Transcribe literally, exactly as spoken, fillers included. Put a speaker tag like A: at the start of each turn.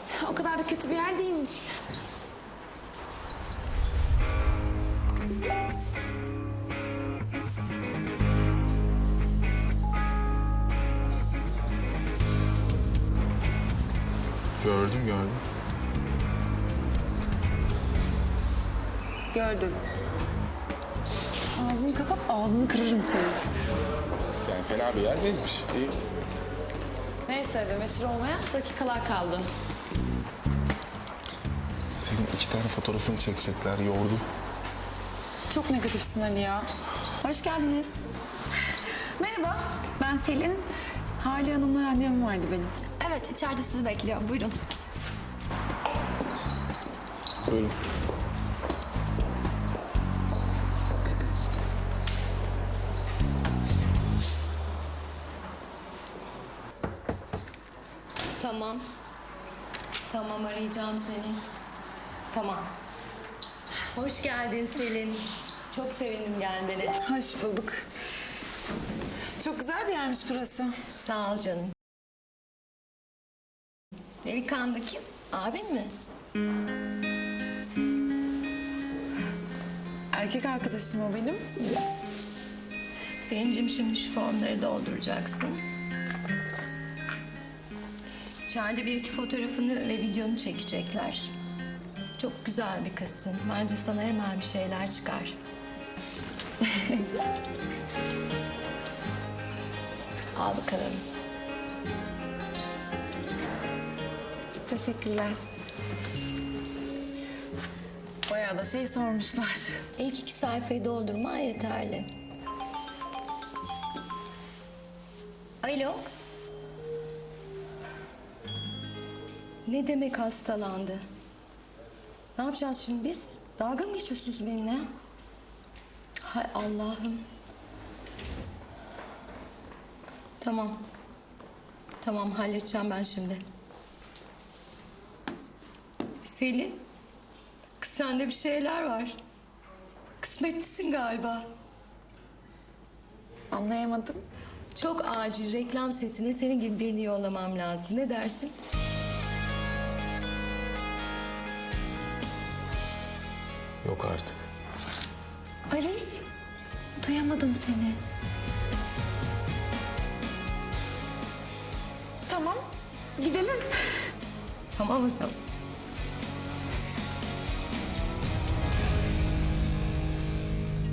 A: O kadar da kötü bir yer değilmiş.
B: Gördüm gördüm.
A: Gördüm. Ağzını kapat, ağzını kırarım seni.
B: Yani fena bir yer değilmiş. İyi.
A: Neyse de meşhur olmaya dakikalar kaldı.
B: Senin iki tane fotoğrafını çekecekler, yordu.
A: Çok negatifsin Ali ya.
C: Hoş geldiniz.
A: Merhaba, ben Selin. Hale Hanım'la randevum vardı benim.
C: Evet, içeride sizi bekliyor. Buyurun.
B: Buyurun.
C: Tamam. Tamam, arayacağım seni. Tamam. Hoş geldin Selin. Çok sevindim gelmene.
A: Hoş bulduk. Çok güzel bir yermiş burası.
C: Sağ ol canım. Delikanlı kim? Abin mi?
A: Erkek arkadaşım o benim.
C: Selin'cim şimdi şu formları dolduracaksın. İçeride bir iki fotoğrafını ve videonu çekecekler. Çok güzel bir kızsın. Bence sana hemen bir şeyler çıkar. Al bakalım.
A: Teşekkürler. Bayağı da şey sormuşlar.
C: İlk iki sayfayı doldurma yeterli. Alo. Ne demek hastalandı? Ne yapacağız şimdi biz? Dalga mı geçiyorsunuz benimle? Hay Allah'ım. Tamam. Tamam, halledeceğim ben şimdi. Selin. Kız sende bir şeyler var. Kısmetlisin galiba.
A: Anlayamadım.
C: Çok acil reklam setine senin gibi birini yollamam lazım. Ne dersin?
B: Yok artık.
A: Aliş, duyamadım seni. Tamam, gidelim.
C: Tamam o zaman.